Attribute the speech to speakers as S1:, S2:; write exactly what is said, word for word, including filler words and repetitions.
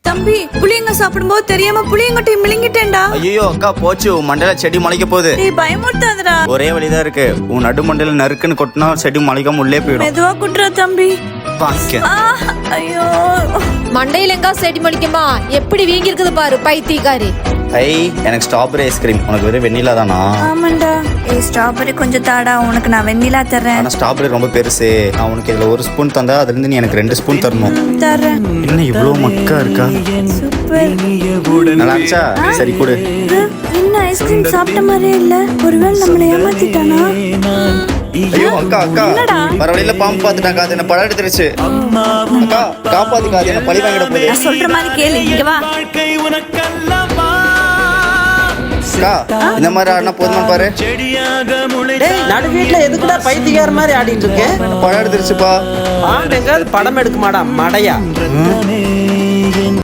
S1: தம்பி புளியங்க சாப்பிடும்போது தெரியாம புளியங்கொட்டை மிளிங்கிட்டேன்டா.
S2: ஐயோ அக்கா போச்சு, உன் மண்டையில செடி முளைக்க போகுது.
S1: டேய் பயமுறுத்தாதடா.
S2: ஒரே வழிதான் இருக்கு, உன் நடு மண்டையில நறுக்குன்னு கொட்டினா செடி முளைக்காம உள்ளே போயிடும்.
S1: மெதுவா குட்டுற தம்பி.
S2: வாங்க.
S1: ஆ, ஐயோ
S3: மண்டையில எங்கா செடி மலிக்குமா? எப்படி வீங்கி இருக்குது பாரு பைத்தியக்காரி.
S2: ஐ எனக்கு ஸ்ட்ராபெரி ஐஸ்கிரீம், உனக்கு வெறும் வெண்ணிலா தானா?
S1: ஆமாண்டா. ஏய் ஸ்ட்ராபெரி கொஞ்சம் தாடா, உனக்கு நான் வெண்ணிலா தரேன்.
S2: ஆனா ஸ்ட்ராபெரி ரொம்ப பெருசு, நான் உனக்கு இதுல ஒரு ஸ்பூன் தந்தா அதுல இருந்து நீ எனக்கு ரெண்டு ஸ்பூன் தரணும்.
S1: தரேன்.
S2: என்ன இவ்வளவு மக்கா இருக்கா?
S1: சூப்பர்.
S2: நல்லா இருந்துச்சா? சரி கொடு.
S1: என்ன ஐஸ்கிரீம் சாப்பிட்ட மாதிரியே இல்ல, ஒருவேளை நம்மளை ஏமாத்திட்டானா?
S2: ஐயோ அக்கா அக்கா வர வழியில பாம்பு பாத்துட்டாங்க, அது என்ன படம் எடுத்துருச்சு. அக்கா காப்பாத்துக்கா, அது என்ன பழி வாங்கிட போகுது.
S1: நான் சொல்ற மாதிரி கேளு, இங்க வா.
S2: அக்கா இந்த மாதிரி ஆடினா போதுமா பாரு.
S4: நடு வீட்டுல எதுக்குடா பைத்தியக்கார மாதிரி ஆடிட்டு இருக்கேன்?
S2: படம் எடுத்துருச்சுப்பா.
S4: பாம்பு எங்காவது படம் எடுக்குமாடா மடையா?